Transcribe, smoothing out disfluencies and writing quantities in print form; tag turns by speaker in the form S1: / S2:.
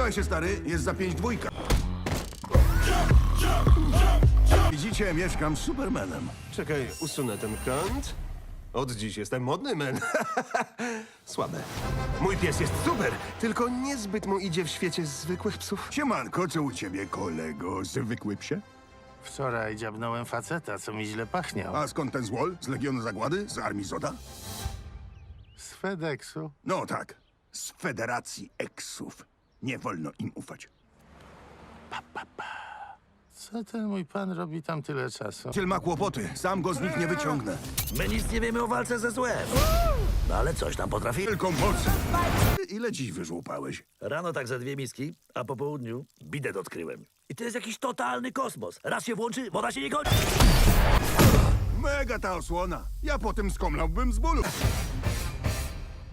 S1: Trzymaj się, stary, jest za 5-2. Widzicie, mieszkam z Supermanem.
S2: Czekaj, usunę ten kąt. Od dziś jestem modny, men. Słabe. Mój pies jest super, tylko niezbyt mu idzie w świecie zwykłych psów.
S1: Siemanko, co u ciebie, kolego? Zwykły psie?
S3: Wczoraj dziabnąłem faceta, co mi źle pachniał.
S1: A skąd ten złol? Z Legionu Zagłady? Z Armii Zoda?
S3: Z FedExu.
S1: No tak, z Federacji Eksów. Nie wolno im ufać.
S3: Co ten mój pan robi tam tyle czasu?
S1: Ciel ma kłopoty, sam go z nich nie wyciągnę.
S4: My nic nie wiemy o walce ze złem. No ale coś tam potrafi.
S1: Tylko moc. Ile dziś wyżłupałeś?
S4: Rano tak za 2 miski, a po południu bidet odkryłem. I to jest jakiś totalny kosmos. Raz się włączy, woda się nie kończy.
S1: Mega ta osłona. Ja potem skomlałbym z bólu.